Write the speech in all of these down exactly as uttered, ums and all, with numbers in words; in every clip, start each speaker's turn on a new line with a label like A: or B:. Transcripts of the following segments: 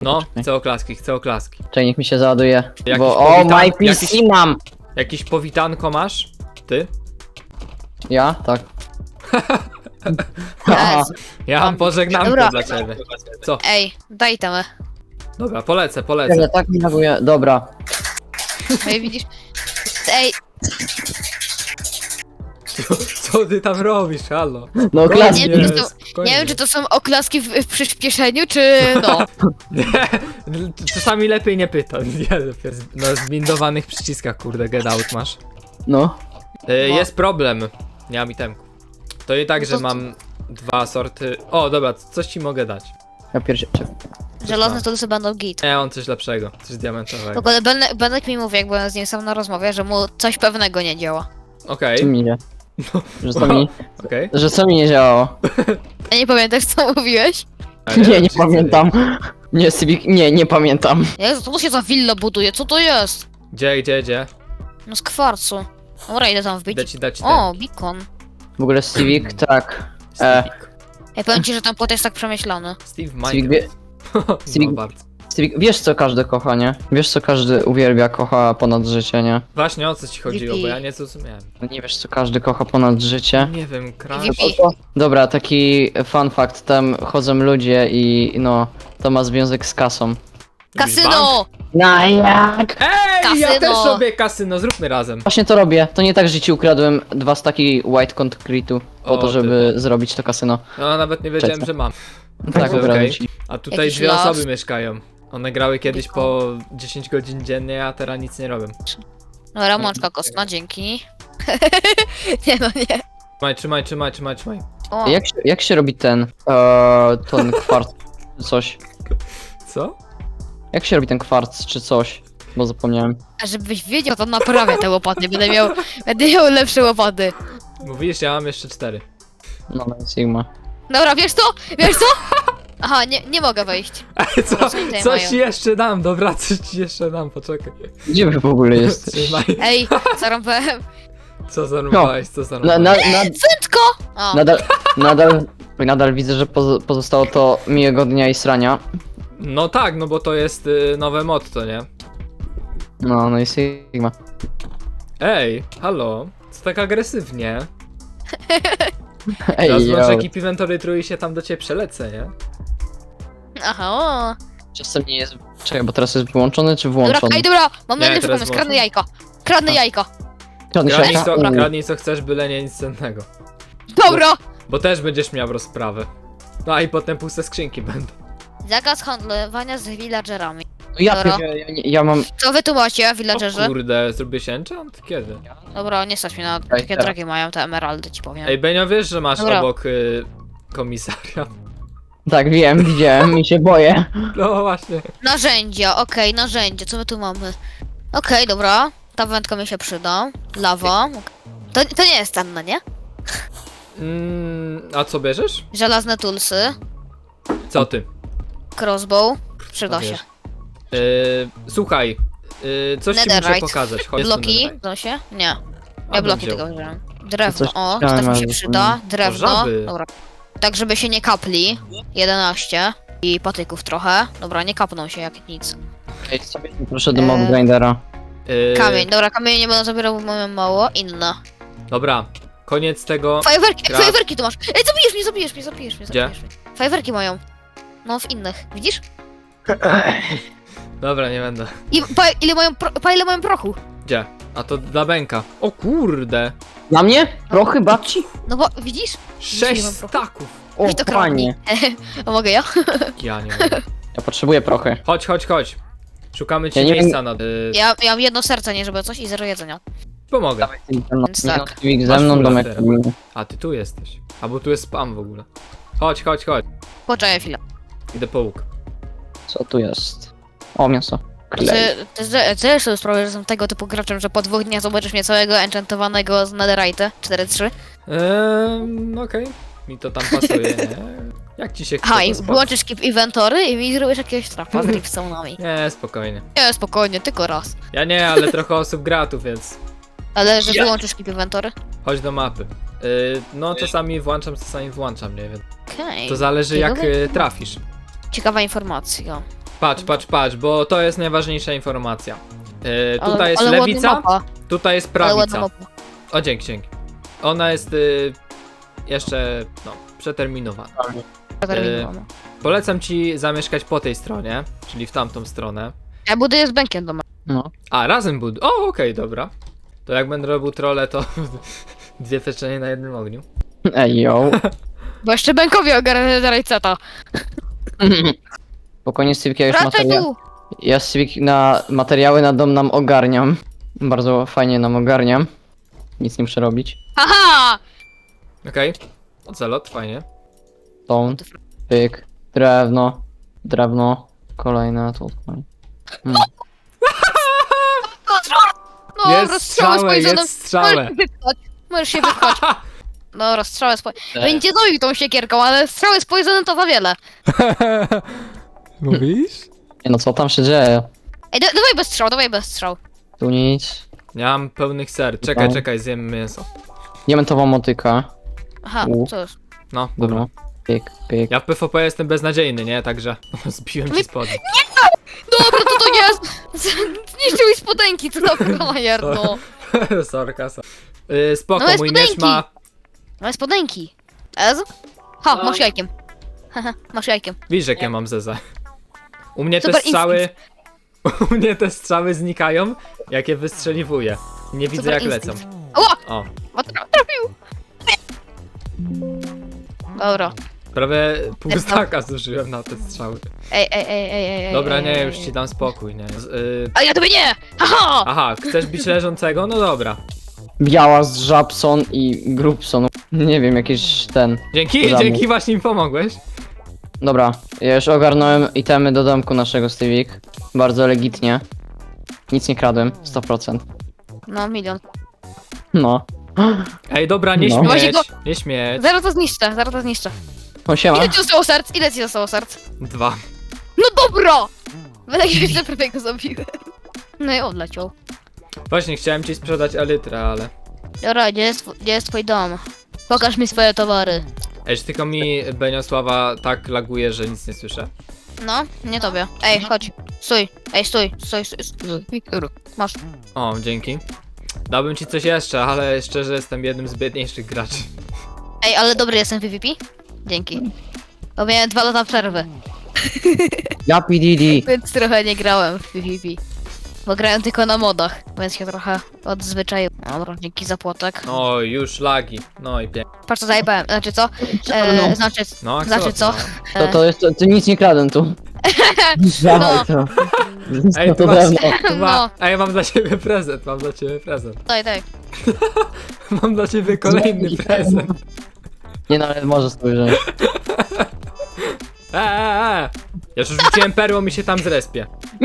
A: No, chcę oklaski, chcę oklaski.
B: Czekaj, niech mi się załaduje.
A: Jakiś
B: Bo o,
A: powitan-
B: my P C
A: jakiś-
B: mam!
A: Jakieś powitanko masz? Ty?
B: Ja? Tak. Aha.
C: Jezu.
A: Ja mam pożegnanko
C: Dobra.
A: dla ciebie. Co?
C: Ej, daj tam.
A: Dobra, polecę,
B: Czekaj,
A: polecę.
B: tak mi laguje. Dobra.
C: Ej, widzisz? Ej,
A: Co ty tam robisz, halo?
B: No klas.
C: nie, wiem, czy to,
A: spokojnie.
C: nie wiem, czy to są oklaski w, w przyspieszeniu, czy no.
A: Nie, czasami lepiej nie pytać. Nie, dopiero z- no zbindowanych przyciskach, kurde, get out masz.
B: No.
A: E,
C: No.
A: jest problem. Nie mam itemku. To nie tak,
C: No
A: że
C: to-
A: mam dwa sorty. O, dobra, coś ci mogę dać.
B: Ja pierwszy. Czekaj.
C: Żelazne to będą git.
A: Nie, on coś lepszego, coś diamentowego.
C: W ogóle Benek, Benek mi mówi, jak byłem z nim sam na rozmowie, że mu coś pewnego nie działa.
A: Okej,
B: Co mi nie? Że co mi,
A: okej.
B: że co mi nie działało?
C: A nie pamiętasz, co mówiłeś?
B: Nie, nie pamiętam. Nie, Civic, nie, nie pamiętam.
C: Jezu, to się za willa buduje, co to jest?
A: Gdzie, gdzie, gdzie?
C: No z kwarcu. Dobra, idę tam wbić.
A: Idę ci dać
C: O, beacon.
B: W ogóle Civic, tak.
A: ten.
B: e.
A: Steve.
C: Ja powiem ci, że ten płot jest tak przemyślany.
A: Steve
B: Civic, wie,
A: Minecraft.
B: Civic-
A: No bardzo.
B: Civic, wiesz co każdy kocha, nie? Wiesz co każdy uwielbia, kocha ponad życie, nie?
A: Właśnie o co ci chodziło, bo
C: V P.
A: ja nie zrozumiałem.
B: No nie wiesz co każdy kocha ponad życie?
A: Nie wiem, kraj.
C: V P.
B: Dobra, taki fun fact, tam chodzą ludzie i no, to ma związek z kasą.
C: Kasyno!
B: No jak?
A: Ej, ja
C: Kasyno.
A: też robię kasyno, zróbmy razem.
B: Właśnie to robię, to nie tak, że ci ukradłem dwa staki white concrete'u po
A: O,
B: to,
A: ty.
B: żeby zrobić to kasyno.
A: No nawet nie wiedziałem,
B: Cześć.
A: że mam.
B: Tak,
A: Także
B: ukradłem
A: okej.
B: ci.
A: A tutaj
C: Jakiś
A: dwie
C: las.
A: osoby mieszkają. One grały kiedyś po dziesięć godzin dziennie, a teraz nic nie robią.
C: Dobra, mączka kostna, dzięki. nie no, nie.
A: Trzymaj, trzymaj, trzymaj, trzymaj, trzymaj.
C: O,
B: Jak się, jak się robi ten, eee, ten kwarc, czy coś?
A: Co?
B: Jak się robi ten kwarc, czy coś? Bo zapomniałem.
C: a żebyś wiedział, to naprawię te łopaty, będę miał, będę miał lepsze łopaty.
A: Mówisz, ja mam jeszcze cztery.
B: No, no Sigma.
C: Dobra, wiesz co? Wiesz co? Aha, nie, nie mogę wejść.
A: Co,
C: Co tutaj
A: coś
C: mają?
A: ci jeszcze dam, dobra, coś ci jeszcze dam, poczekaj.
B: Gdzie wy w ogóle jesteś?
A: Trzymaj.
C: Ej, zarąbałem.
A: Co zarąbałeś, co
B: Na,
A: zarąbałeś?
B: na, na,
C: Prędko! O,
B: nadal, nadal, nadal widzę, że pozo- pozostało to miłego dnia i srania.
A: No tak, no bo to jest y, nowe motto, nie?
B: No, no i Sigma.
A: Ej, halo, co tak agresywnie?
B: Ej,
A: Teraz
B: yo.
A: może ekip inwentory trój się tam do ciebie przelecę, nie?
C: aha, o.
B: Czasem nie jest... Czekaj, bo teraz jest wyłączony czy
C: Dobra,
B: włączony?
C: ej, dobra, mam
A: Nie,
C: najlepszy
A: teraz
C: pomysł,
A: włączam.
C: kradnę jajko. Kradnę jajko.
B: Kradnij
A: Kradnij
B: szajka?
A: co,
B: U.
A: kradnij co chcesz, byle nie nic cennego.
C: Dobra!
A: Bo też będziesz miał rozprawę. No i potem puste skrzynki będą.
C: Zakaz handlowania z villagerami.
B: No ja,
C: Dobra.
B: ja, ja, ja mam...
C: Co wy tu macie,
A: O
C: villagerzy?
A: kurde, zrobiłeś enchant? Kiedy?
C: Dobra, nie stać mi na
B: Ej,
C: takie
B: teraz.
C: drogi mają te emeraldy, ci powiem.
A: Ej, Benio, wiesz, że masz
C: Dobra.
A: obok y, komisariat?
B: Tak, wiem, widziałem i się boję.
A: No właśnie.
C: Narzędzia, okej, narzędzia, co my tu mamy? Okej, dobra, ta wędka mi się przyda. Lawa. To, to nie jest cenne, nie?
A: Mm, a co bierzesz?
C: Żelazne toolsy,
A: Co ty?
C: crossbow, przyda się.
A: Wiesz. Y, słuchaj, y, coś ci muszę
C: Netherite.
A: pokazać. Chodź tu,
C: Bloki,
A: netherite.
C: to się? Nie.
A: A,
C: Ja
A: bym
C: bloki
A: wziął.
C: tylko wziąłem. Drewno,
B: Coś
C: o, to
B: chciałem,
C: też mi się
B: ale
C: przyda. Drewno,
A: żaby.
C: dobra. Tak, żeby się nie kapli. jedenaście. I patyków trochę. Dobra, nie kapną się jak nic.
B: Ej, sobie proszę do
C: Eee.
B: mob grindera.
A: Y,
C: Kamień, dobra, kamień nie będę zabierał, bo mamy mało. Inne.
A: Dobra, koniec tego.
C: Fajerwerki,
A: Gra-
C: fajerwerki tu masz! Ej, zabijesz mnie, zabijesz mnie, zabijesz mnie,
A: Gdzie?
C: zabijesz mnie. Fajerwerki mają. No, w innych, widzisz?
A: Dobra, nie będę.
C: I pa, ile mają, pro, pa ile mają prochu?
A: Gdzie? A to dla Benka. O kurde!
B: Na mnie? Prochy babci?
C: No bo, widzisz?
A: Sześć
C: mam prochu.
A: staków!
B: O,
C: Weź to kradnij.
B: panie.
C: A mogę ja?
A: Ja nie mogę.
B: Ja potrzebuję prochy.
A: Chodź, chodź, chodź. Szukamy ci
B: Ja nie
A: miejsca na... Y,
C: Ja, ja mam jedno serce, nie żeby coś i zero jedzenia.
A: pomogę.
C: Więc tak.
B: Civic ze
A: Masz
B: mną,
A: fulla
B: domek.
A: teraz. A ty tu jesteś. A bo tu jest spam w ogóle. Chodź, chodź, chodź.
C: Poczekaj chwilę.
A: Idę po łuk.
B: Co tu jest? O, mięso.
C: Ty,
B: Klej.
C: ty, ty, ty sobie sprawę, że jestem tego typu graczem, że po dwóch dniach zobaczysz mnie całego enchantowanego z netherite cztery trzy.
A: Eee, okej. Mi to tam pasuje, nie? Jak ci się chce,
C: Aha,
A: to
C: i
A: spoko.
C: wyłączysz keep inventory i mi zrobisz jakiegoś trapa z dripstone'ami.
A: Nie, spokojnie.
C: Nie, spokojnie, tylko raz.
A: Ja nie, ale trochę osób gra tu, więc
C: Ale że
B: Ja-
C: wyłączysz keep inventory?
A: chodź do mapy. Yy, no czasami włączam, czasami włączam, nie wiem.
C: Okej.
A: To zależy jak
C: Ciekawe.
A: y, trafisz.
C: Ciekawa informacja.
A: Patrz, patrz, patrz, bo to jest najważniejsza informacja. Yy, tutaj
C: ale,
A: jest
C: ale ładna
A: lewica,
C: mapa,
A: tutaj jest
C: ale ładna
A: prawica.
C: mapa.
A: O, dzięki, dzięki. Ona jest yy, jeszcze, no, przeterminowana.
C: Zaterminowana.
A: Polecam ci zamieszkać po tej stronie, czyli w tamtą stronę.
C: Ja buduję z Benkiem doma.
B: No.
A: A, razem bud... O, okej, dobra. To jak będę robił trole, to dwie pieczenie na jednym ogniu.
B: Ej, yo.
C: Bo jeszcze Benkowi ogarnę rajceta.
B: Spokojnie, Civic, ja już
C: Wracaj
B: materia...
C: tu!
B: Ja Civic na materiały na dom nam ogarniam. Bardzo fajnie nam ogarniam. Nic nie muszę robić.
C: Haha!
A: Okej. Ocelot, fajnie.
B: Stone, pyk, drewno, drewno, kolejne tutaj. Hmm.
C: No,
A: jest
C: rozstrzałę z
A: strzałę,
C: poisonem.
A: jest strzałę.
C: Możesz się wypchać. Możesz się wypchać. Dobra, strzałę z poisonem. Będzie doił tą siekierką, ale strzały z poisonem to za wiele.
A: Mówisz?
B: Nie no, co tam się dzieje?
C: Ej, da dawaj bez strzał, dawaj bez strzał.
B: Tu nic.
A: Nie mam pełnych ser. Czekaj,
B: No.
A: czekaj, zjem mięso.
B: Diamentowa motyka.
C: Aha,
B: U.
C: co jest?
A: No, dobra.
B: Dobra. Pyk, pyk.
A: Ja w PvP jestem beznadziejny, nie? Także zbiłem ci spodnie.
C: Dobra, to to jest! Zniszczył mi spodenki, co to frajer, no.
A: Sorka, so. Yy, spoko,
C: No,
A: mój miecz
C: spodenki.
A: ma...
C: Mamy spodenki. Ez? Ha, masz jajkiem. Haha, masz jajkiem.
A: Widzisz, jak ja mam zezę. U mnie te
C: Super
A: strzały... U mnie te strzały znikają, jak je wystrzeliwuję. Nie widzę,
C: Super
A: jak
C: instynkt.
A: lecą.
C: O!
A: O,
C: O, tra trafił! Dobra.
A: prawie pół staka zużyłem na te strzały.
C: Ej, ej, ej, ej, ej, ej.
A: Dobra,
C: ej,
A: nie,
C: ej,
A: już
C: ej.
A: ci dam spokój, nie. Z, yy...
C: A ja tobie nie! Haha!
A: Aha, chcesz bić leżącego? No dobra.
B: Biała z Żabson i Grubson. Nie wiem, jakiś ten.
A: Dzięki,
B: Zamu.
A: dzięki, właśnie mi pomogłeś.
B: Dobra, ja już ogarnąłem itemy do domku naszego Civic. Bardzo legitnie. Nic nie kradłem, sto procent.
C: No, milion.
B: No.
A: Ej, dobra, nie
B: No.
A: śmieć,
C: Właśnie go-
A: nie śmieć.
C: Zaraz to zniszczę, zaraz to zniszczę.
B: O, siema.
C: Ile ci zostało serc? Ile ci zostało serc?
A: Dwa.
C: No dobra! Będę jeszcze prawie go zabiłem. No i odleciał.
A: Właśnie, chciałem ci sprzedać elytrę, ale...
C: Dobra, gdzie jest, tw- gdzie jest twój dom? Pokaż mi swoje towary.
A: Ej, czy tylko mi Beniosława tak laguje, że nic nie słyszę.
C: No, nie tobie. Ej, chodź. Stój. Ej, stój. Stój, stój. stój. Masz.
A: O, dzięki. Dałbym ci coś jeszcze, ale szczerze jestem jednym z biedniejszych graczy.
C: Ej, ale dobry jestem w PvP? Dzięki. Bo miałem dwa lata przerwy,
B: Ja P D D.
C: więc trochę nie grałem w PvP. Bo grałem tylko na modach, więc się trochę odzwyczaiłem. Dobra, dzięki za płotek.
A: O, już lagi. No i pięknie.
C: Patrz co zajebałem. Znaczy co?
B: No.
C: E, znaczy,
A: No,
C: znaczy co?
A: no.
B: To, to jest, to, to nic nie kradłem tu. Dawaj to.
A: Ej,
B: No
A: to
B: to
A: masz,
B: drewno.
A: to ma...
C: No.
A: Ej, mam dla ciebie prezent, mam dla ciebie prezent.
C: Daj, daj.
A: Mam dla ciebie kolejny prezent.
B: Nie no, ale może spojrzeć.
A: Eee, eee, eee. Ja już rzuciłem perłą i się tam zrespię.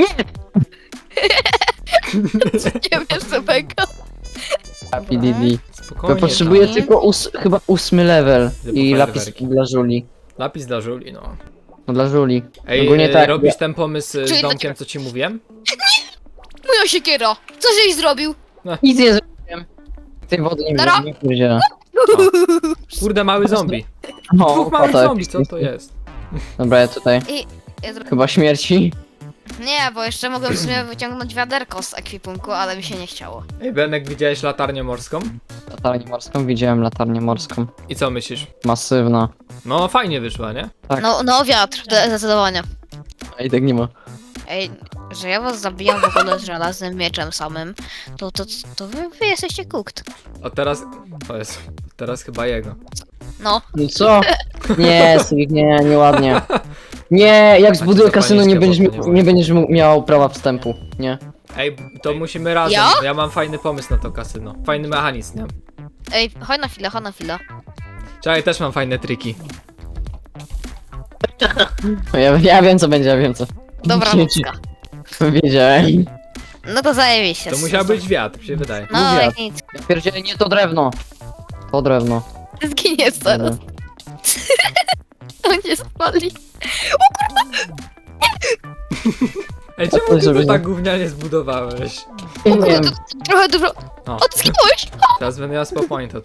C: Nie wiesz co Benko.
B: P D D.
A: Spokojnie.
B: Ja potrzebuję
C: tam.
B: tylko ós chyba ósmy level.
A: Typu
B: I lapis
A: fajerwerki.
B: dla Żuli.
A: tam. Lapis dla Żuli, no.
B: No dla Żuli.
A: Ej,
B: Ogólnie
A: e,
B: tak.
A: robisz ten pomysł
C: Czyli
A: z
C: dla
A: domkiem,
C: ciebie.
A: co ci mówiłem?
C: Moja siekiera. Co żeś zrobił?
B: Nic nie zrobiłem. Tej wody nie
C: Nara.
B: wiem, nie powiedziałem.
A: Kurde, mały zombie.
B: O,
A: Dwóch małych
B: potek.
A: zombie, co to jest?
B: Dobra, ja tutaj.
C: I... Ja zro...
B: Chyba śmierci.
C: Nie, bo jeszcze mogłem w sumie wyciągnąć wiaderko z ekwipunku, ale mi się nie chciało.
A: Ej, Benek, widziałeś latarnię morską?
B: Latarnię morską, widziałem latarnię morską.
A: I co myślisz?
B: Masywna.
A: No, fajnie wyszła, nie?
B: Tak.
C: No, no wiatr, de- zdecydowanie.
B: A i tak nie ma.
C: Ej, że ja was zabijam w ogóle z żelaznym mieczem samym, to, to, to wy, wy jesteście cooked.
A: A teraz... O Jezu, teraz chyba jego.
C: No,
B: No co? Nie, Sivik, nie, nieładnie. Nie, jak zbuduję
A: to
B: kasyno, nie
A: paniczkę
B: będziesz, mi-
A: popłyniemy.
B: nie będziesz mu- miał prawa wstępu. Nie.
A: Ej, to musimy razem.
C: Ja?
A: Ja mam fajny pomysł na to kasyno. Fajny mechanizm, nie?
C: ej, chodź na chwilę, chodź na chwilę.
A: Czekaj, też mam fajne triki.
B: Ja, ja wiem co będzie, ja wiem co.
C: Dobra,
B: Dzieci.
C: nocka.
B: Wiedziałem.
C: No to zajebiście.
A: To musiał być wiatr, mi się wydaje.
C: No,
B: Mówię.
C: jak nic.
B: Ja pierdzielę, nie to drewno. To drewno.
C: Zginiesz zaraz. On nie spali.
A: Ej,
B: A
A: czemu
B: to
A: ty
B: żeby
A: to
B: nie-
A: tak gównianie zbudowałeś?
B: Nie wiem.
C: Trochę dużo.
A: O,
C: O, ty zginąłeś?
A: teraz będę miał spawpointa tutaj.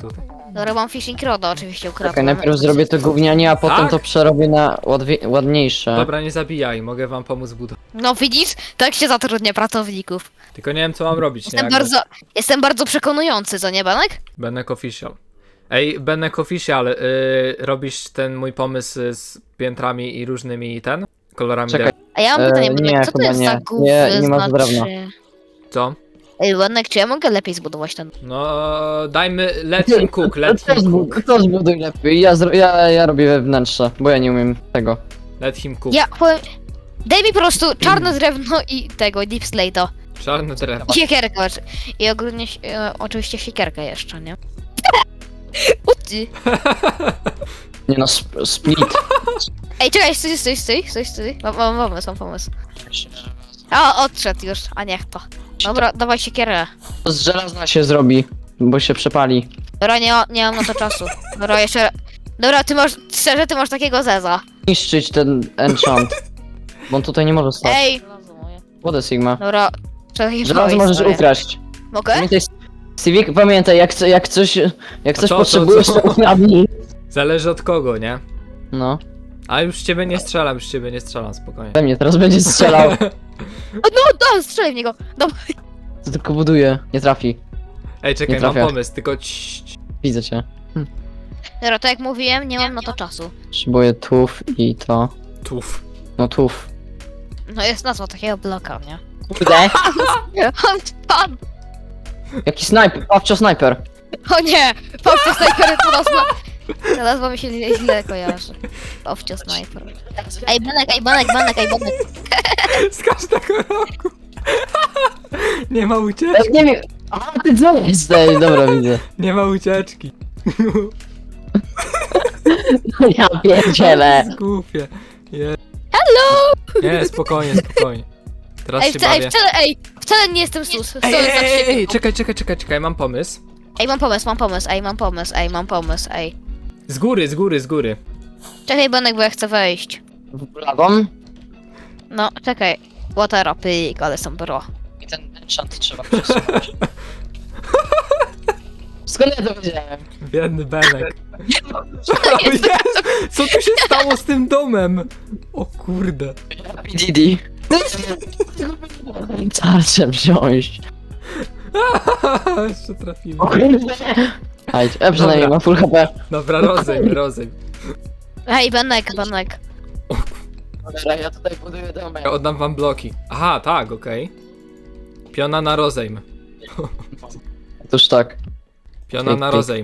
C: Dobra, mam fishing roda oczywiście
B: Czekaj,
C: ukradłem.
B: najpierw zrobię to gównianie, a potem
A: Tak?
B: to przerobię na ładwie- ładniejsze.
A: Dobra, nie zabijaj, mogę wam pomóc budować.
C: No widzisz? Tak się zatrudnia pracowników.
A: Tylko nie wiem co mam robić, nie?
C: Jestem
A: Jakby-
C: bardzo, jestem bardzo przekonujący, co nie, Banek?
A: Benek Official. Ej, Benek Official, yy, robisz ten mój pomysł z piętrami i różnymi ten? Kolorami
B: Czekaj.
A: drewna?
C: A ja mam
B: E,
C: pytanie,
B: nie,
C: Banek, co to
B: chyba
C: jest
B: nie.
C: za gówno?
B: Nie, nie ma drewna.
A: Co?
C: Ej, Banek, czy ja mogę lepiej zbudować ten...
A: No, dajmy, let him cook, let
B: To
A: him
B: zbud-
A: cook,
B: To zbuduj lepiej, ja, zro- ja, ja robię wnętrze, bo ja nie umiem tego.
A: let him cook.
C: Ja powiem... Daj mi po prostu czarne drewno i tego, deep slate'a.
A: Czarne drewno.
C: I siekierkę. oczy- I ogólnie, e, oczywiście siekierkę jeszcze, nie? Uci.
B: Nie no, sp- split.
C: Ej, czekaj, stój, stój, stój, stój, stój. Mam, mam pomysł, mam pomysł. A, odszedł już, a niech to. Dobra, dawaj siekierę.
B: To z żelazna się zrobi, bo się przepali.
C: Dobra, nie, ma- nie mam na to czasu. Dobra, jeszcze... Dobra, ty masz, szczerze, ty masz takiego zeza.
B: Niszczyć ten enchant. Bo on tutaj nie może stać.
C: Ej!
B: Wodę Sigma.
C: Dobra, czekaj,
B: Żelazo możesz
C: historię.
B: ukraść.
C: Mogę?
B: Pamiętaj, Civic, pamiętaj, jak, co- jak coś, jak
A: A
B: coś
A: co, co,
B: potrzebujesz,
A: co?
B: to ukradnij.
A: Zależy od kogo, nie?
B: No,
A: A już ciebie nie strzelam, już ciebie nie strzelam, spokojnie.
B: we mnie teraz będzie strzelał.
C: O, no, no, strzelaj w niego. Dobra.
B: To tylko buduje, nie trafi.
A: Ej, czekaj,
B: Nie
A: mam
B: trafia.
A: pomysł, tylko ciii.
B: Widzę cię.
C: Dobra, tak jak mówiłem, nie mam na to czasu.
B: Potrzebuję tuf i to.
A: Tuf.
B: No tuf.
C: No jest nazwa takiego bloka, nie?
B: Kurde.
C: On spadł.
B: Jaki snajper, Pawcio snajper.
C: O nie! Pawcio snajper to nazwa. Ta nazwa mi się źle, źle kojarzy. Pawcio snajper. Ej, Benek, ej, Benek, Benek, ej, Benek.
A: Z każdego roku. Nie ma ucieczki,
B: Nie wiem. A ty co jesteś? Dobra, widzę.
A: nie ma ucieczki.
B: Ja pierdzielę.
A: Głupie. Je...
C: Hello!
A: Nie, spokojnie, spokojnie. Teraz
C: Ej,
A: się
C: wcale, ej,
A: bawię.
C: wcale, ej, wcale nie jestem sus.
A: Ej,
C: Stoję
A: ej,
C: za
A: ej, ej,
C: siebie.
A: czekaj, czekaj, czekaj, czekaj, mam pomysł.
C: Ej, mam pomysł, mam pomysł, ej, mam pomysł, ej, mam pomysł, ej.
A: Z góry, z góry, z góry.
C: Czekaj, Benek, bo ja chcę wejść.
B: W lawą.
C: No, czekaj. Watera, pyk, ale są bro.
B: I ten enchant trzeba przesunąć. Skąd ja to wiedziałem?
A: Biedny Benek. O Jezu, co tu się stało z tym domem? O kurde.
B: P D D. Tarczę wziąć.
A: Jeszcze trafiłem.
B: Hajdź, ja przynajmniej
A: Dobra.
B: mam full H P.
A: Dobra, rozejm, rozejm.
C: Ej, Benek, Benek.
B: Dobra, ja tutaj buduję domek.
A: Ja oddam wam bloki. Aha, tak, okej. Piona na rozejm.
B: Otóż tak.
A: Piona na rozejm.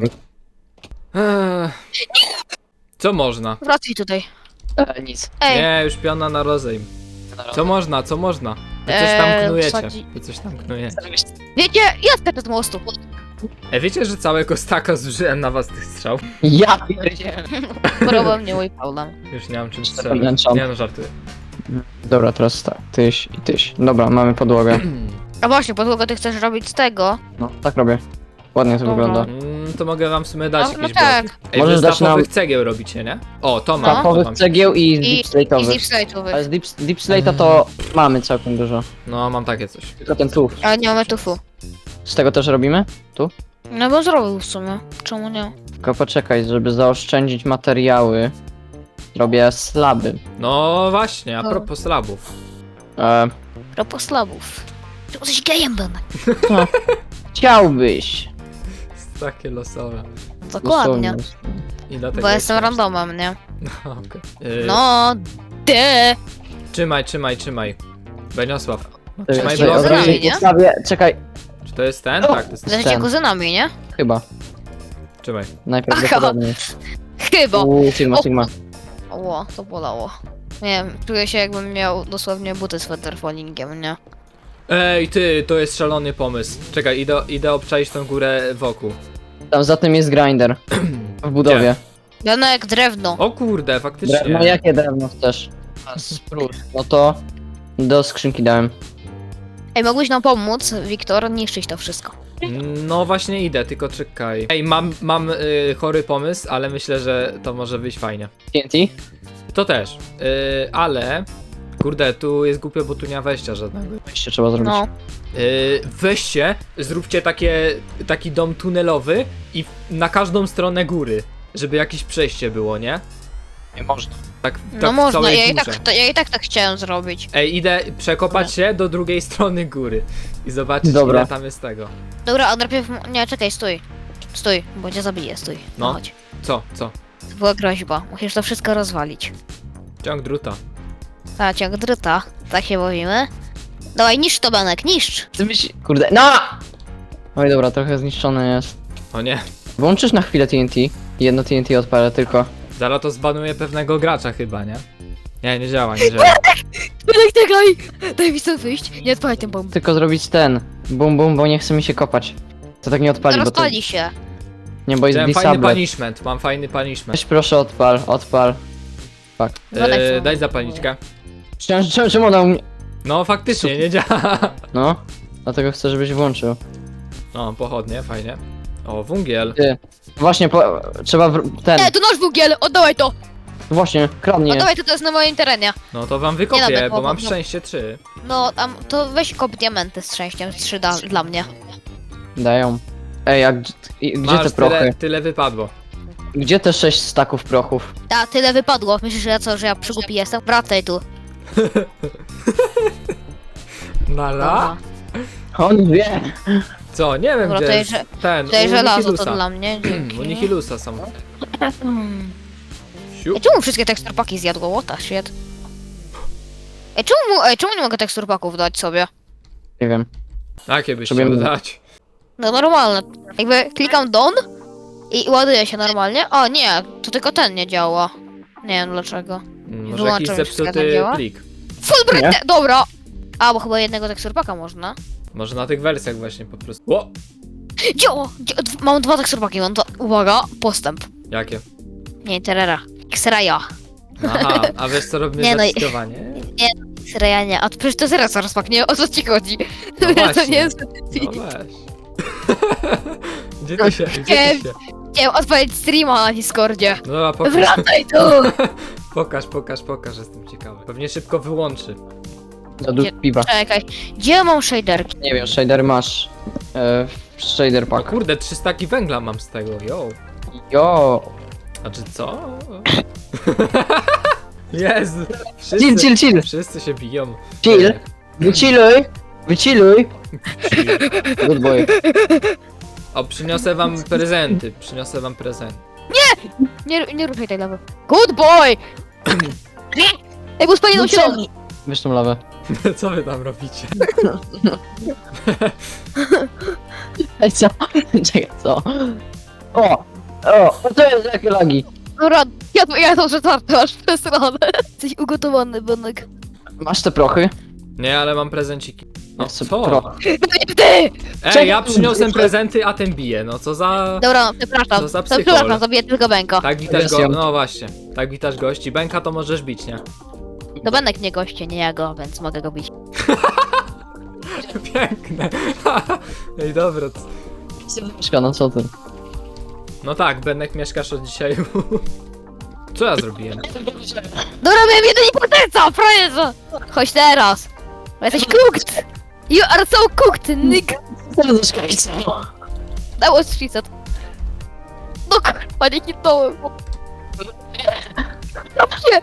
A: Eee, co można?
C: Wracaj tutaj.
B: E, nic.
C: Ej,
A: Nie, już piona na rozejm. Co można, co można? Wy coś
C: Eee,
A: tam knujecie.
C: wsadzi-
A: Wy coś tam knujecie.
C: wiecie, ja skaczę z mostu.
A: E, wiecie, że całego staka zużyłem na was tych strzał?
B: Ja pierdzielę.
C: Problem nie mój problem.
A: Już nie mam czym
B: Cztery
A: strzelać.
B: enchant.
A: Nie no, żartuję.
B: Dobra, teraz tak. Tyś i tyś. Dobra, mamy podłogę.
C: A właśnie, podłogę ty chcesz robić z tego.
B: No, tak robię. Ładnie to
C: Dobra.
B: wygląda.
A: Mm, to mogę wam w sumie dać
C: No, no
A: jakieś
C: tak.
A: bloki. Ej,
B: Możesz
A: wy z
B: dać nam-
A: tapowych cegieł robicie, nie? O, to mam. to
B: Tapowych
A: mam.
B: cegieł i
C: I,
B: deep
C: i z
B: slate'owych.
C: deep slate'owych.
B: Ale z deep, deep slate'a to mamy całkiem dużo.
A: No, mam takie coś.
B: Tylko ten tuf.
C: Ale nie mamy tufu.
B: Z tego też robimy?
C: No bo zrobił w sumie. Czemu nie?
B: Tylko poczekaj, żeby zaoszczędzić materiały. Robię slaby.
A: No właśnie, a
C: No.
A: propos slabów.
B: E,
C: Propos slabów. Ty jesteś gejem, Benek.
B: chciałbyś.
A: Takie losowe.
C: Dokładnie.
B: Dosłownie.
A: I dlatego
C: Bo jestem
A: jest-
C: randomem, nie?
A: No, okej. Yy,
C: No, de.
A: Trzymaj, trzymaj, trzymaj. Beniosław. No,
B: Czekaj,
A: trzymaj
C: Czekaj,
B: od
A: blok.
C: od
B: razu
C: razu, nie?
B: postawię. Czekaj,
A: Czy to jest ten?
B: No.
A: Tak, to jest ten.
C: Jesteście
B: ten.
C: kuzynami, nie?
B: chyba.
A: Trzymaj.
B: Najprawdopodobniej.
C: Chyba.
B: Uuu, Sigma,
C: O.
B: Sigma.
C: Ło, to bolało. Nie wiem, czuję się jakbym miał dosłownie buty z featherfallingiem, nie?
A: Ej, ty, to jest szalony pomysł. Czekaj, idę, idę obczaić tą górę wokół.
B: Tam za tym jest grinder. W budowie.
C: Benek, drewno.
A: O kurde, faktycznie.
B: Drewno, jakie drewno chcesz? A, spróć. No to do skrzynki dałem.
C: Ej, mogłeś nam pomóc, Wiktor, niszczyć to wszystko.
A: No właśnie idę, tylko czekaj. Ej, mam, mam y, chory pomysł, ale myślę, że to może wyjść fajnie.
B: T N T?
A: To też, y, ale... Kurde, tu jest głupio, bo tu nie ma wejścia żadnego.
B: Jeszcze trzeba zrobić.
C: No.
A: Yy, weźcie, zróbcie takie, taki dom tunelowy i na każdą stronę góry, żeby jakieś przejście było, nie?
B: Nie można.
A: Tak, tak
C: No
A: w
C: można,
A: całej
C: ja i,
A: górze.
C: tak, to, ja i tak tak chciałem zrobić.
A: Ej, idę przekopać się do drugiej strony góry i zobaczyć,
B: Dobra.
A: ile tam jest tego.
C: Dobra, a najpierw... Nie, czekaj, stój. Stój, bo cię zabiję, stój.
A: No.
C: No chodź.
A: Co, co?
C: To była groźba. Musisz to wszystko rozwalić.
A: Ciąg druta.
C: Ta, ciąg druta. Tak się bawimy. Dawaj, niszcz to, Benek, niszcz.
B: Ty myśl... Kurde, no! Oj dobra, trochę zniszczony jest.
A: O nie,
B: Włączysz na chwilę T N T. Jedno T N T odpalę tylko.
A: zaraz to zbanuje pewnego gracza chyba, nie? Nie, nie działa, nie działa.
C: Benek, czekaj! Daj mi stąd wyjść. Nie odpalaj ten bomb.
B: Tylko zrobić ten. Bum bum, bo nie chce mi się kopać. To tak nie odpali, bo to...
C: Rozpali się.
B: Nie, bo jest
A: Chciałem fajny
B: disable.
A: punishment, mam fajny punishment.
B: Weź proszę odpal, odpal.
C: Benek,
A: Yy,
C: co?
A: daj zapalniczkę.
B: Czemu, czemu, czemu ona u mnie...
A: No faktycznie, nie działa.
B: No. Dlatego chcę, żebyś włączył.
A: O, pochodnie, fajnie. O, wungiel.
B: Ty. Właśnie, po... trzeba w... ten...
C: Nie, to nasz węgiel, oddawaj to!
B: Właśnie, kradnie.
C: Oddawaj to, to jest na moim terenie.
A: No to wam
C: Nie
A: wykopię,
C: nawet,
A: bo
C: bo-
A: mam
C: bo-
A: szczęście trzy.
C: No, tam, to weź kop diamenty z szczęściem, trzy da, dla mnie.
B: Dają. Ej, a gdzie, i- gdzie
A: Masz
B: te prochy?
A: tyle, tyle wypadło.
B: Gdzie te sześć staków prochów?
C: Ta, tyle wypadło. Myślisz, że ja co, że ja przygłupi jestem? Wracaj tu.
A: Nara?
C: Dobra.
B: On wie.
A: Co, nie wiem
C: Dobra,
A: gdzie
C: tutaj
A: jest
C: że-
A: ten,
C: Tutaj
A: u
C: żelazo to
A: Nihilusa.
C: dla mnie,
A: U
C: dzięki.
A: Nihilusa są.
C: Hmm.
A: Siup.
C: Ej, czemu wszystkie teksturpaki zjadło? What the shit? Ej, czemu, mu- ej, czemu nie mogę teksturpaków dać sobie?
B: Nie wiem.
A: Jakie byś
B: Sobie
A: chciał
B: mówię.
A: dać?
C: No normalne. Jakby klikam done i ładuje się normalnie. O nie, to tylko ten nie działa. Nie wiem dlaczego.
A: Mm, Może
C: Wyłączam
A: jakiś
C: już skana,
A: zepsuty
C: działa?
A: plik.
C: Full
B: Nie?
C: break, dobra! A, bo chyba jednego teksturpaka można.
A: Może na tych wersjach właśnie po prostu. O!
C: Działa! Dzia- d- Mam dwa teksturpaki, mam dwa. Uwaga, postęp.
A: Jakie?
C: Nie, terera. X-raya.
A: Aha, a wiesz co robimy
C: Nie, no i-
A: zapiskowanie?
C: X-raya nie, a przecież to jest raz rozpaknie, o co ci chodzi?
A: No
C: to
A: właśnie.
C: nie jest...
A: No weź. Gdzie ty się, gdzie
C: Nie.
A: ty się?
C: Chciałem odpalić streama na Discordzie.
A: No dobra, pokaż,
C: Wracaj tu!
A: pokaż, pokaż, pokaż, jestem ciekawy. Pewnie szybko wyłączy.
B: Za dużo piwa.
C: Czekaj, gdzie mam shaderki?
B: Nie wiem, shader masz. E, shader
A: O
B: pack.
A: kurde, trzy staki węgla mam z tego, yo.
B: Jo.
A: A czy co? Jezu,
B: Chill,
A: wszyscy,
B: chill, chill.
A: wszyscy się biją.
B: Chill. Wychilluj. Wychilluj. Good boy.
A: O, przyniosę wam prezenty, przyniosę wam prezent.
C: Nie, nie ruszaj tej lewy. Good boy! Ej, bo spalił
B: No
C: się
B: co?
C: nogi.
B: Wiesz tą lawę.
A: Co wy tam robicie?
B: Ej, co? Czekaj, co? O! O! O, to jest jakie lagi.
C: Dobra, ja, ja to przetwarty masz przesrane. Jesteś ugotowany, Benek.
B: Masz te prochy?
A: Nie, ale mam prezenciki. No
B: Ja chcę
A: co?
B: prochy.
C: Ty!
A: Ej, ja przyniosłem prezenty, a ten bije, no co za...
C: Dobra, no, przepraszam.
A: Co za
C: To
A: psychol.
C: przepraszam, zabiję tylko Benka.
A: Tak witasz
B: Jest
A: go,
B: ją.
A: no właśnie. Tak witasz gości. Bęka to możesz bić, nie?
C: To Benek nie goście, nie ja go, więc mogę go bić.
A: Piękne. Ej, dobra. c-
B: Serduszka, no co ty?
A: No tak, Benek mieszkasz od dzisiaj. Co ja zrobiłem?
C: Dobra, miałem jedynie potencjał, frajerze! Chodź teraz. Bo jesteś cooked. You are so cooked, nigga.
B: Serduszka i co?
C: That was she said. No kurwa, nie hitnąłem. Dobrze.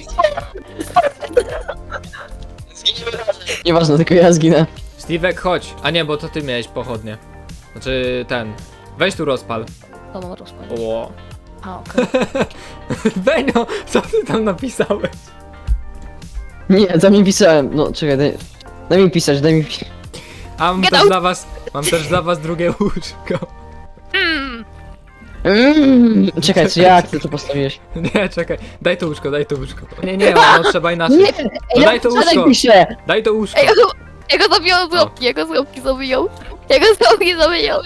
B: Nieważne, tylko ja zginę.
A: Steve'ek, chodź. A nie, bo to ty miałeś pochodnie. Znaczy, ten. Weź tu rozpal.
C: To mam rozpalić.
A: O.
C: A, okej.
A: Benio, co ty tam napisałeś?
B: Nie, tam mi pisałem. No, czekaj, daj, daj mi pisać, daj mi pisać.
A: A mam
C: Get
A: też
C: out.
A: dla was, mam też dla was drugie łóżko.
C: Mm.
B: Mm, czekaj, co jak ty to postawiłeś?
A: Nie, czekaj. Daj to łóżko, daj to łóżko. Nie, nie, no trzeba inaczej.
B: Nie,
A: No daj to łóżko.
B: Daj piszę.
A: Daj to łóżko.
C: Ej, ja go- ja go zabijał z łapki, ja go z łapki zabijał. Ja go z łapki zabijał.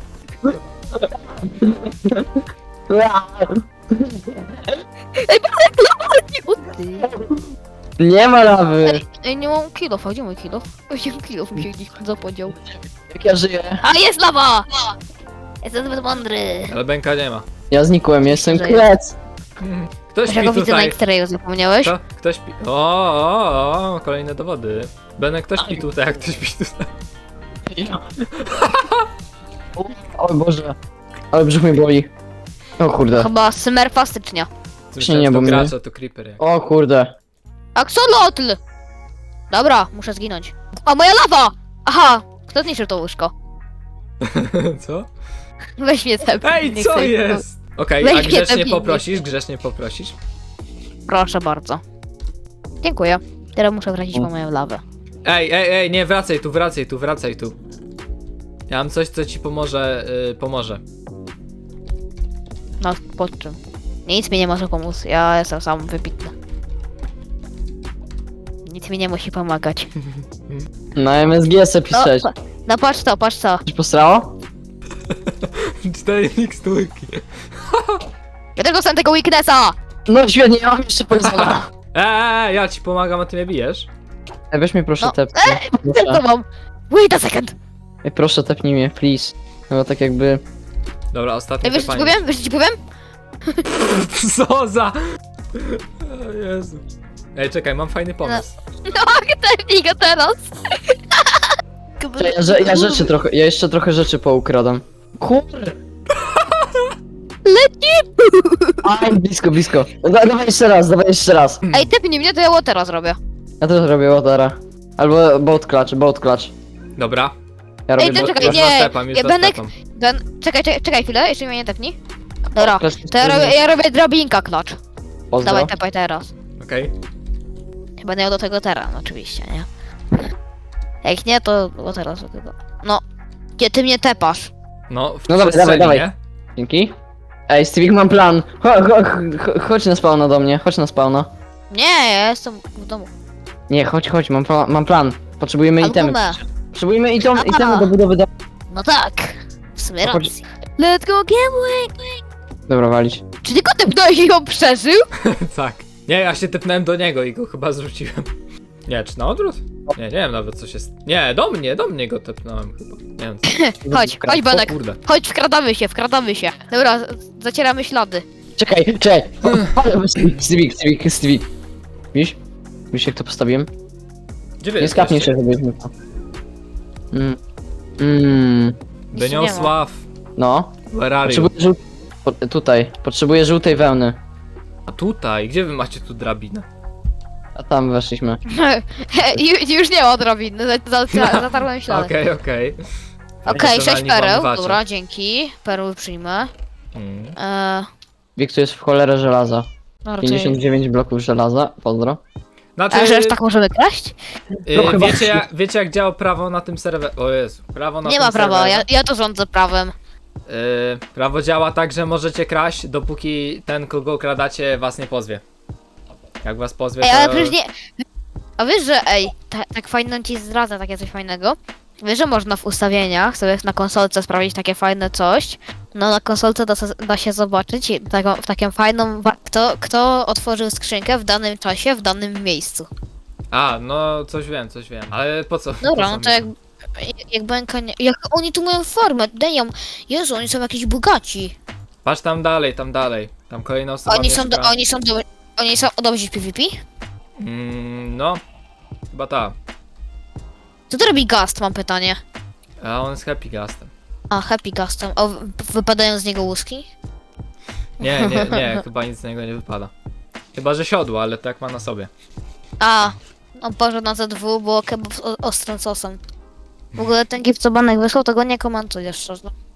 C: Ej, Benek, lawa, nie ty.
B: Nie ma lawy.
C: Ej, ej, nie mam kilof, a gdzie mój kilof? Osiem kilof mi się gdzieś zapodział.
B: Jak ja żyję.
C: A, jest lawa! Jestem zbyt mądry.
A: Ale Benka nie ma.
B: Ja znikłem, jestem
C: Że
B: krec.
A: Ktoś
C: Ja
A: śpi
C: go widzę na
A: tutaj.
C: X-rayu, zapomniałeś?
A: Kto, ktoś śpi... O, o, o, kolejne dowody. Benek, ktoś śpi tutaj, jak ktoś śpi tutaj.
B: O Boże. Ale brzuch mnie boli. O kurde.
C: Chyba Smurfa stycznia.
A: Myślałem,
B: nie,
A: że
B: bo
A: to
B: mnie-
A: gracz, a to creeper. jak-
B: O kurde.
C: Axolotl! Dobra, muszę zginąć. A moja lawa! Aha! Kto zniszczył to łóżko?
A: Co?
C: Weź mnie te.
A: Ej,
C: nie
A: co
C: chcę-
A: jest? Okej,
C: Weź
A: a
C: mnie
A: grzecznie
C: tepnij.
A: poprosisz, grzecznie poprosisz.
C: Proszę bardzo. Dziękuję. Teraz muszę wrócić po moją lawę.
A: Ej, ej, ej, nie, wracaj tu, wracaj tu, wracaj tu. Ja mam coś, co ci pomoże, yy, pomoże.
C: No, pod czym? Nic mi nie może pomóc, ja jestem sam wybitny. Nic mi nie musi pomagać.
B: Na M S G se
C: No,
B: pisać.
C: pa- no patrz to, patrz to.
B: Coś postrało?
A: Cztery miksturki.
C: Ja też dostałem tego weaknessa!
B: No świetnie, ja mam jeszcze poisona.
A: Eee, ja ci pomagam, a ty mnie bijesz.
B: Ej, weź mnie proszę
C: No.
B: tepnij.
C: Co
B: Proszę.
C: mam? Wait a second!
B: Ej, proszę tepnij mnie, please. No tak jakby...
A: Dobra, ostatni
C: Ej, wiesz co ci
A: tepanie.
C: powiem? Wiesz co ci powiem?
A: Co za... O Jezu. Ej, czekaj, mam fajny pomysł.
C: No, tepnij go teraz!
B: Czekaj, Ja, że- ja rzeczy trochę, ja jeszcze trochę rzeczy poukradam. Kurde.
C: Leci!
B: Aj, blisko, blisko. Da, dawaj jeszcze raz, dawaj jeszcze raz.
C: Ej, tepnij mnie, to ja teraz robię.
B: Ja też robię watera. Albo boat clutch, boat clutch.
A: Dobra.
B: Ja robię
C: Ej, to
B: boat
C: czekaj,
A: już
C: nie.
A: was tepam, już
C: Ja
A: was
C: Benek-
A: tepam.
C: Ben, czekaj, czekaj, czekaj chwilę, jeszcze mnie nie tepnij. Dobra,
B: clutch.
C: to ja robię, ja robię drabinka klacz.
B: Pozdro.
C: Dawaj, tepaj teraz.
A: Okej.
C: Będę miał do tego teren, oczywiście, nie? Jak nie, to bo teraz do tego. No, gdzie ty mnie tepasz?
A: No, w
B: No dawaj,
A: przestrzeni,
B: dawaj,
A: nie?
B: Dzięki. Ej, Stevie, mam plan. Cho, cho, cho, chodź na spawna do mnie, chodź na spawna.
C: Nie, ja jestem w domu.
B: Nie, chodź, chodź, mam, pla- mam plan. Potrzebujemy itemy.
C: Albumę.
B: Potrzebujemy item,
C: A.
B: itemy do budowy domu.
C: No tak, w sumie
B: No chodź.
C: racji. Let's go game.
B: Dobra, walić.
C: Czy ty go tepnąłeś i on przeżył?
A: Tak. Nie, ja się tepnąłem do niego i go chyba zrzuciłem. Nie, czy na odwrót? Nie, nie wiem nawet co się... st- Nie, do mnie, do mnie go tepnąłem chyba. Nie wiem co.
C: Chodź, chodź
A: O
C: Benek.
A: kurde.
C: Chodź, wkradamy się, wkradamy się. Dobra, z- zacieramy ślady.
B: Czekaj, czekaj. Stevie, Stevie, Stevie. Widzisz? Widzisz jak to postawiłem?
A: Gdzie wy
B: Nie skapnij
A: jesteście?
B: się, żebyśmy to. Mm. Mm.
A: Beniosław,
B: No.
A: where are you?
B: Potrzebuję żół... Po, tutaj. Potrzebuję żółtej wełny.
A: A tutaj, gdzie wy macie tu drabinę?
B: A tam weszliśmy.
C: Ju- Już nie ma drabiny, za- za- zatarłem ślady.
A: Okej, okej.
C: Okej, sześć
A: Profesjonalni
C: pereł,
A: włamywacze.
C: dobra, dzięki. Perły przyjmę.
A: Mm.
C: Eee,
B: Wiek tu jest w cholerę żelaza.
C: no raczej...
B: pięćdziesiąt dziewięć bloków żelaza. Pozdro.
A: Znaczy,
C: A że aż tak możemy kraść?
A: y,
B: No chyba-
A: wiecie, jak, wiecie jak działa prawo na tym serwerze? O Jezu, prawo na
C: Nie
A: tym
C: ma prawa, ja,
A: serwerze.
C: ja to rządzę prawem.
A: Y, prawo działa tak, że możecie kraść, dopóki ten, kogo kradacie, was nie pozwie. Jak was pozwie,
C: Ej,
A: to...
C: ale przecież nie... A wiesz, że ej, ta, tak fajno ci zdradza takie coś fajnego? Wiesz, że można w ustawieniach sobie na konsolce sprawdzić takie fajne coś? No na konsolce da, se- da się zobaczyć taką, w taką fajną... wa- Kto, kto otworzył skrzynkę w danym czasie, w danym miejscu.
A: A, no coś wiem, coś wiem. Ale po co?
C: Dobra,
A: po co
C: no to
A: mi
C: jak... Jak Benka nie... Jak oni tu mają formę, dają... Jezu, oni są jakiś bogaci.
A: Patrz tam dalej, tam dalej. Tam kolejna osoba
C: Oni są, do,
A: mieszka.
C: oni są do, Oni są dobrzy w PvP?
A: Mm, no, chyba ta.
C: Co to robi Gast, mam pytanie.
A: A on jest happy gastem.
C: A, Happy Gastem. O, w- wypadają z niego łuski?
A: Nie, nie, nie, chyba nic z niego nie wypada. Chyba, że siodło, ale tak ma na sobie.
C: A, on poszedł na Z dwa, było kebab z o- ostrym sosem. W ogóle ten gif co Banek wysłał, to go nie komentuję szczerze.